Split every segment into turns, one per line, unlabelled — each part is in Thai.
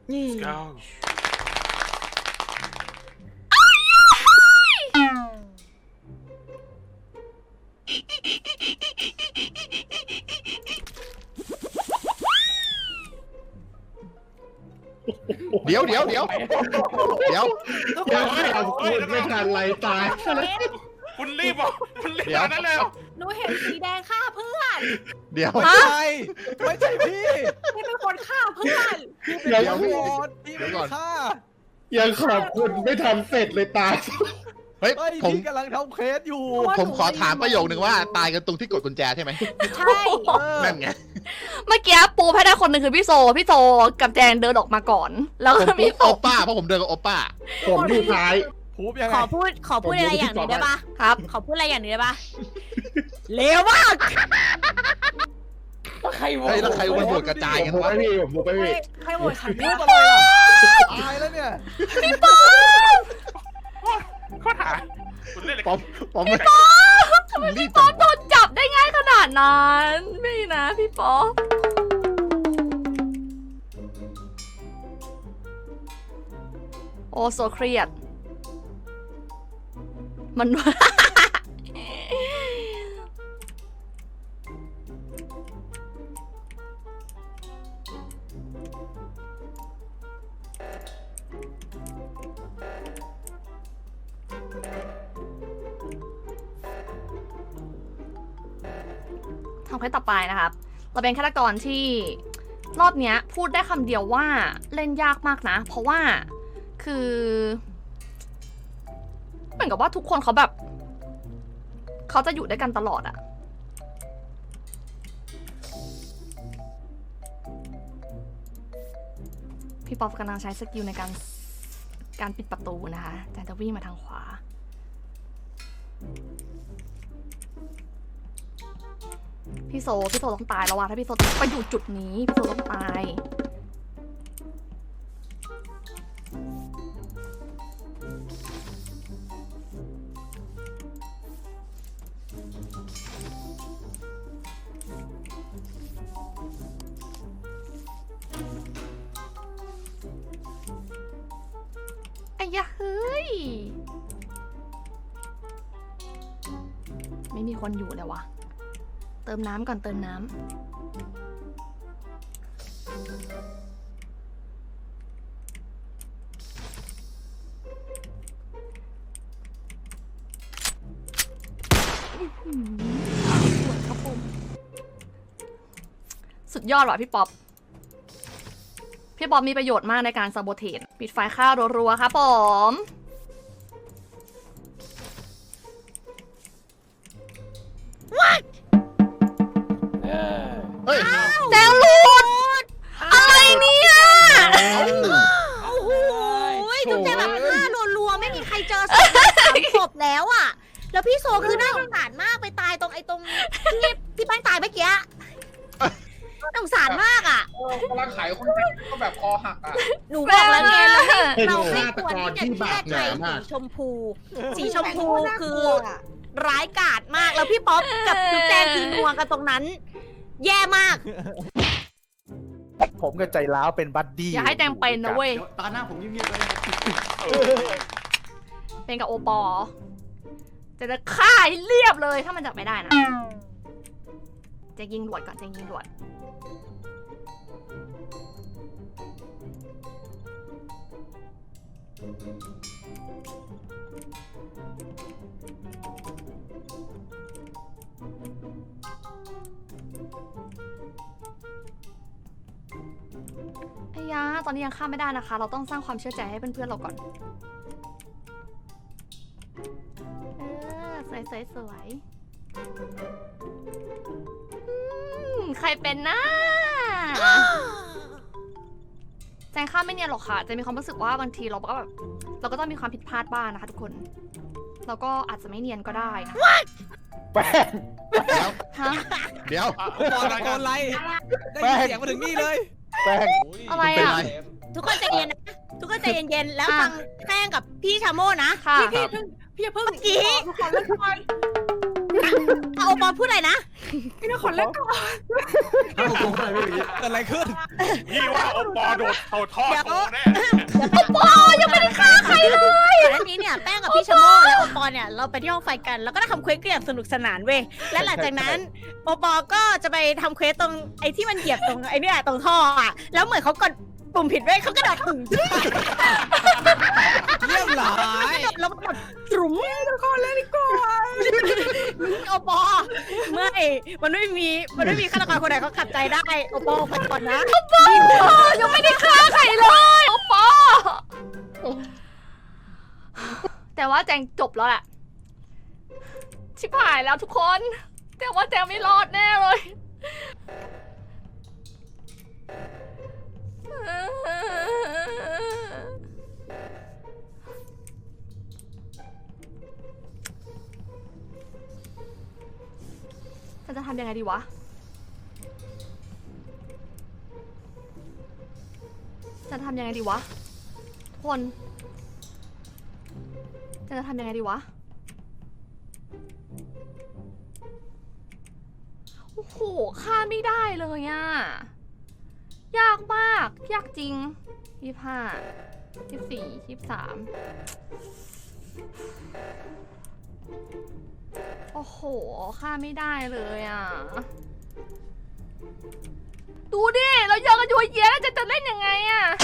Let's go
เดี๋ยว
ยังไม่ทำคุณไม่ทันไรตาย
คุณรีบอ่ะคุณรีบขนาดนั้นเลยเหรอ
หนูเห็นสีแดงฆ่าเพื่อน
เดี๋ยว
ไม่ใช่พี่
พี่เป็นคนฆ่าเพื่อน
พี่เป็นตำรวจพี่เป็นฆ่า
ยังขอบคุณไม่ทันเสร็จเลยตาย
เฮ้ย
เฮ้ย
ผม
พี่กำลังทำเคสอยู่
ผมขอถามประโยคนึงว่าตายกันตรงที่กดกุญแจใช่ไหม
ใช่
นั่นไง
เมื่อกี้ปูให้ได้คนหนึ่งคือพี่โซกับแจงเดินออกมาก่อน แล้วก็มี
โอป้าเพราะผมเดินกับโอป้า
ผมอยู่ท้าย
พูบยังไง
ขอพูดอะไรอย่างหนึ่งได้ปะ
ครับ
ขอพูดอะไรอย่างหนึ่งได้ปะเลวมาก
เฮ้ยแล้วใครมันโหวตกระจายกัน
ผม
วะ
ไปพี่ผมไปพี่
ใครโหวตฉัน
พู
เนี่ย
ดอะไรล่ะตายแล้วเนี่ย
ข้อหาคุณเล่นอะไร
ผมไม่รีบ
ป๊อปโดนจับได้ง่ายขนาดนั้นไม่นะพี่ป๊อปโอ้โซเครียดมัน ทำให้ต่อไปนะครับ เราเป็นฆาตกรที่รอบเนี้ยพูดได้คำเดียวว่าเล่นยากมากนะ เพราะว่าคือเหมือนกับว่าทุกคนเขาแบบเขาจะอยู่ด้วยกันตลอดอะพี่ป๊อปกำลังใช้สกิลในการปิดประตูนะคะแต่จะวิ่งมาทางขวา พี่โซต้องตายแล้วว่ะถ้าพี่โซไปอยู่จุดนี้พี่โซต้องตายไอ้ยะเฮ้ยไม่มีคนอยู่เลยว่ะเติมน้ำก่อนเติมน้ำสุดยอดว่ะพี่ป๊อปมีประโยชน์มากในการซาโบเทนปิดไฟข้าวรัวๆครับผม
เฮ้ย
แจงหลุดอะไรเนี่ย
โอ้โหจุ๊บแจงแบบฆ่ารัวๆไม่มีใครเจอศพศพแล้วอ่ะ แล้วพี่โซคือน่าสงสารมากไปตายตรงที่แป้งตายเมื่อกี้น่าสงสารมากอ่ะ
กำลังขายคนก็แบบคอหักอ่ะ
หนูบอกแล้วไงเราไม่
เป็น
เราไม่
ฆาต
ควร
กร
ที่
ที่
จะ
บา
เชื่
ป
อ
ห
ใจ
นามาก
สีชมพู สีชมพูคือร้ายกาจมากแล้วพี่ป๊อปกับจุ๊บแจงคือนัวกันตรงนั้น แย่มาก
ผมกับใจร้าวเป็นบัดดี้
อย่าให้แจงเป็นนะเว้ย
ตาหน้าผมเงียบๆเลย
เป็นกับโอปอจะฆ่าให้เรียบเลยถ้ามันจับไม่ได้นะจะยิงหลวดก่อนจะยิงหลวดไอ้ยาตอนนี้ยังฆ่าไม่ได้นะคะ เราต้องสร้างความเชื่อใจให้เพื่อนๆเราก่อนสวยใครเป็นนะแจงข้ามไม่เนียนหรอกค่ะจะมีความรู้สึกว่าบางทีเราก็แบบเราก็ต้องมีความผิดพลาดบ้างนะคะทุกคนเราก็อาจจะไม่เนียนก็ได้นะ
แป้ง
ฮะ
เดี๋ยว
บอลตะโกนไล่ได้ยินเสียงมาถึงนี่เลยแป้ง
อะไร
เป็น
อ่ะ
ไร
ทุกคนใจเย็นนะทุกคนใจเย็นๆแล้ว
อ่ะ
ฟังแป้งกับพี่ชาโม่นะ
ค่ะ
พี่อย่าเพิ่งเมื่อกี้โอปอพูดอะไรนะ
พี่นครเล่นก่อน
เกิดอะไรขึ้น
พี่ว่าโอปอโดดเขาทอดโตแน่
โอปอยังไม่ได้ฆ่าใครเลยอันนี้เนี่ยแป้งกับพี่ชะโมและโอปอเนี่ยเราไปที่ห้องไฟกันแล้วก็ได้ทำเควสกันอย่างสนุกสนานเว้ยและหลังจากนั้นโอปอก็จะไปทำเควสตรงไอ้ที่มันเหยียบตรงไอ้เนี่ยตรงท่ออ่ะแล้วเหมือนเขากดปุ่มผิดเว้ยเขากระโดดถึง
เรียบร้อย
แล้วมันแบบตรุ๋ม
นครเล่นก่อน
โอปอไม่มันไม่มีฆาตกรคนไหนเขาขัดใจได้โอปอไปก่อนนะ
ยังไม่ได้ฆ่าใครเลยโอปอแต่ว่าแจงจบแล้วแหละชิบหายแล้วทุกคน แต่ว่าแจงไม่รอดแน่เลยฉันจะทำยังไงดีวะจะทำยังไงดีวะทุกคนจะทำยังไงดีวะโอ้โหฆ่าไม่ได้เลยอะยากมากยากจริง25 24 23โอ้โหฆ่าไม่ได้เลยอ่ะดูดิเราเยอะกันอยู่เยอะแล้วจะเล่นยังไงอ่ะ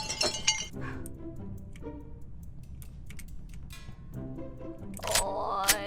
โอ้ย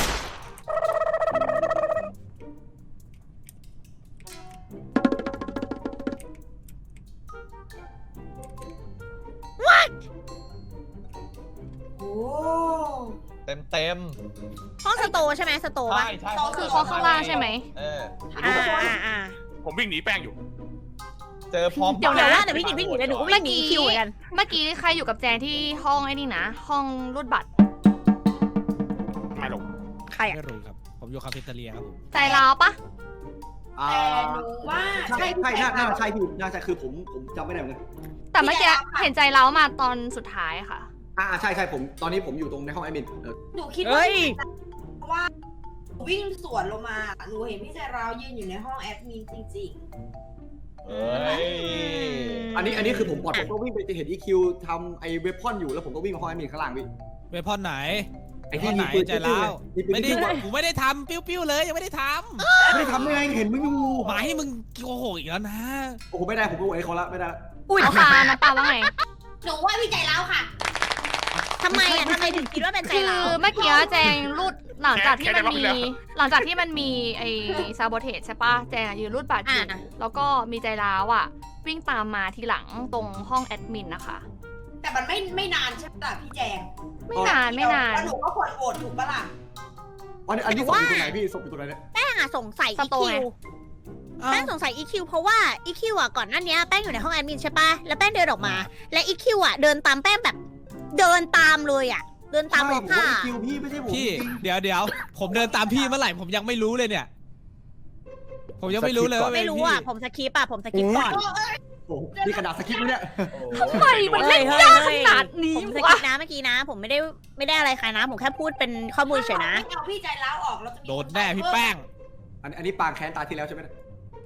โอ้
เต็ม
ห้องสโตร์ใช่ไหมสโตร์ปะ
ใช่
คือเขาข้างล่างใช่ไหม
อ่า
ผมวิ่งหนีแป้งอยู่
เจอพร้อม
เดี๋ยวพี่กินวิ่งหนีเลยหนูก็วิ่งหนีคิวเหมือนกัน
เมื่อกี้ใครอยู่กับแจงที่ห้องไอ้นี่นะห้องรูดบัตร
ไม่ลง
ใคร
ไม่
อ่ะ
รู้ครับ ผมอยู่คาเฟ่เตอเรียครับผม
ใจร้าวปะ
แต่หนูว่า
ใช่น่าใช่พี่น่าใช่คือผมจำไม่ได้เหมือนกัน
แต่เมื่อกี้เห็นใจร้าวมาตอนสุดท้ายค่ะ
ใช่ผมตอนนี้ผมอยู่ตรงในห้องแอดมิน
หนูคิดว่า
เฮ้ย
เพราะว่าหนูวิ่งสวนลงมาหนูเห็นพี่ใจราวยืนอยู่ในห้องแอดมินจริง
เฮ้ย
อันนี้คือผมปลอดผมก็วิ่งไปเห็น EQ ทำไอ้เวพอนอยู่แล้วผมก็วิ่งมาห้องแอดมินข้างล่างพี่
เวพอนไหน
ไอ้
เวพ
ที่
อน
มี
ไหน
ปืน
ใจร้าว
ไม่ได้
กูไม่ได้ทำปิ้วๆเลยยังไม่ได้ท
ไม่ได้ทำได้ไงเห็นมึงอยู่
ำหมายให้มึงโกหกอีกแล้วนะ
โอ้โหไม่ได้ผมก็โวยเขาละไม่ได้
อุ้ย
เอาค่ะน้ำปลาว่าไง
ๆ หนูว่าพี่ใจราวค่ะ
ทำไมถึงคิดว่าเป็นใจ
คือ
เรา
เมื่อกี้แจงรูดหลังจากที่มันมีไอ้ซาโบเทสใช่ปะแจงยืนรูดบัตรอยู่แล้วก็มีใจร้าวอ่ะวิ่งตามมาทีหลังตรงห้องแอดมินนะคะ
แต่มันไม่นานใช่ไหมล่ะพี่แจง
ไม่นาน
แล้วหนูก็ควรโหวตถูกปะล่ะ
อันนี้ศพอยู่ตรงไหนพี่ศพอยู่ตรงไหนเนี่ย
แป้งอ่ะสงสัย
สโตร์
EQ
ไง
แป้งสงสัย EQ เพราะว่า EQ อ่ะก่อนหน้านี้แป้งอยู่ในห้องแอดมินใช่ปะแล้วแป้งเดินออกมา และ EQ อ่ะเดินตามแป้งแบบเดินตามเลยอ่ะเดินตาม
ใช่
เลย
ผม
ค่ะ
ว่า EQ พี่ไม่ใช่ผม
พี่
จริง
เดี๋ยวผมเดินตามพี่เมื่อไหร่ผมยังไม่รู้เลยเนี่ย ผมยังไม่รู้เลยว่าเป็น
ไม่รู้
พี่
อ่ะผมสคิปก่อน
โอ้โหนี่กระดาษสคริปต์ไหมเนี่ย
ทำไมมันเล่นยากขนาดนี้
ผมส
วะ
คิปนะเมื่อกี้นะ ผมไม่ได้อะไรใครนะ ผมแค่พูดเป็นข้อมูลเฉยนะ
เอาพี่ใจราวออกเราจะมี
โดนแน่พี่แป้ง
อันนี้ปางแค้นตาที่แล้วใช่ไหมเนี่ย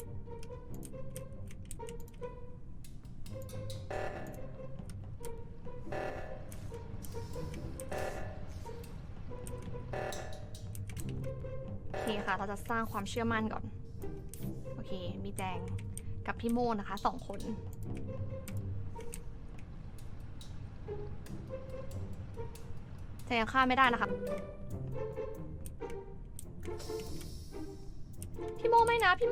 โอเคค่ะ เราจะสร้างความเชื่อมั่นก่อน โอเค มีแจงกับพี่โมนะคะ2 คน แจงฆ่าไม่ได้นะคะ พี่โมไม่นะพี่โม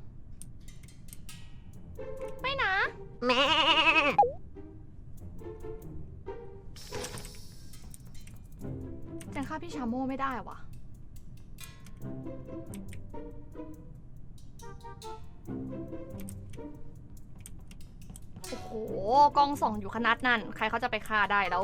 ไม่นะ
แม่
แจงฆ่าพี่ชาโมไม่ได้วะ โอ้โห กล้องส่องอยู่ขนาดนั้น ใครเขาจะไปฆ่าได้แล้ว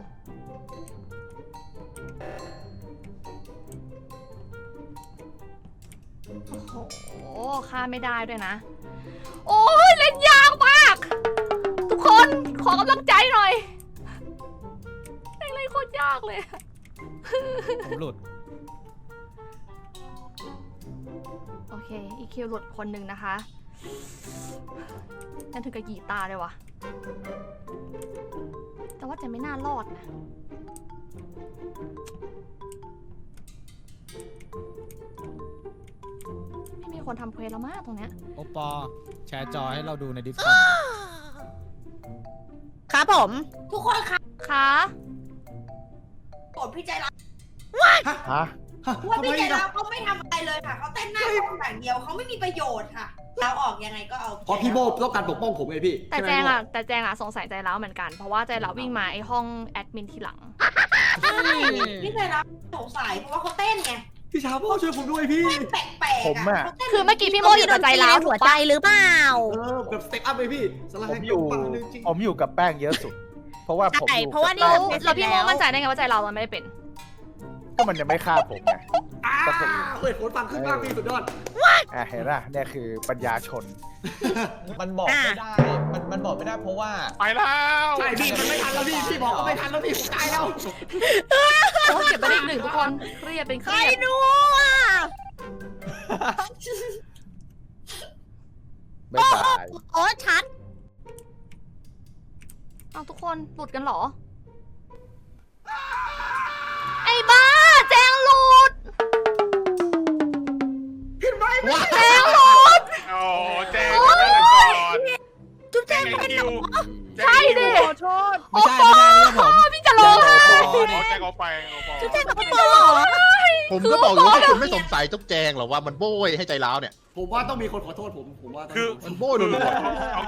โอ้โห ฆ่าไม่ได้ด้วยนะ โอ้ยเล่นยากมาก ทุกคนขอกำลังใจหน่อยเล่นโคตรยากเลย
ผมหลุด
อีคิวหลุดคนหนึ่งนะคะนั่นถึงกับหยีตาเลยวะแต่ว่าเจนไม่น่ารอดนะไม่มีคนทำเควสแล้วมากตรงเนี้ย
โอปอแชร์จอให้เราดูในดิสคอร์ด
ครับผม
ทุกคนคะ
คะ
โกรธพี่ใจร้าว
ฮะ
ว่าพี่ใจร้าวเขาไม่ทำอะไรเลยค่ะเขาเต้นหน้าห้องอย่างเดียวเขาไม่มีประโยชน์ค่ะเราออกยังไงก็เอา
เพราะพี่โบต้องการปกป้องผมไงพี่
แต่
ใช่ไหม
แจงอะสงสัยใจร้าวเหมือนกันเพราะว่าใจร้าววิ่งมาไอห้องแอดมินทีหลัง
พี่ใจร้าวสงสัยเพราะว่าเขาเต้นไง
พี่ชาโบช่วยผมด้วยพี่
เต้นแปลกๆ
ผมอะ
เขาต้น
คือเมื่อกี้พี่โมอยู่กับใจร้าวถู
หัว
ก
ใจ
ปะ
หรือเปล่า
แบบสเต็ปอัพเลยพี่สไลด์
ผมอยู่
ปังเลยจริง
ผมอยู่กับแป้งเยอะสุด เพราะว่าผม
ใช่
อยู่
เพราะว่า
กับ
นี่
แป้ง
แล้วพี่โมมั่นใจได้ไงว่าใจร้าวมันไม่ได้เป็น
ก็มันยังไม่ฆ่าผมไง
เปิดโค้ดฟังขึ้นมากพี่สุดยอด
เห็นป่ะเนี่ยคือปัญญาชน
มันบอกไม่ได้ มันบอกไม่ได้เพราะว่า
ไปแล้ว
ใช่พี่มันไม่ทันแล้วพี่บอกก็ไม่ทันแล้วพี่ผมตายแล้ว
โอ้เก็บไปได้อีกหนึ่งทุกคนเครียดเป็นเค
ใคร
รียด
รู้อ่ะ
บ๊ายบาย
โอ้ชัด
เอาทุกคนหลุดกันเหรอ ไอ้บ้าแจงหลุด
ว้า
แจงหลุด
โอ้แจ้งก่อน
จุ๊บแจ้ง
ไอ้
เป็น
คิว
ใช่ดิ
ขอโทษ
ไม่ใช่ผม
พี่จะร้องไห้
โอ้แจ้งเอาไปโอ้ปอ
จุ๊บแจ้งกับพี่เหรอ
ผมก็บอกอยู่ว่าคุณไม่สงสัยจุ๊บแจงหรอว่ามันโบยให้ใจร้าวเนี่ย
ผมว่าต้องมีคนขอโทษผมว่าต้อง
คือ
มันโบยรัว
เอา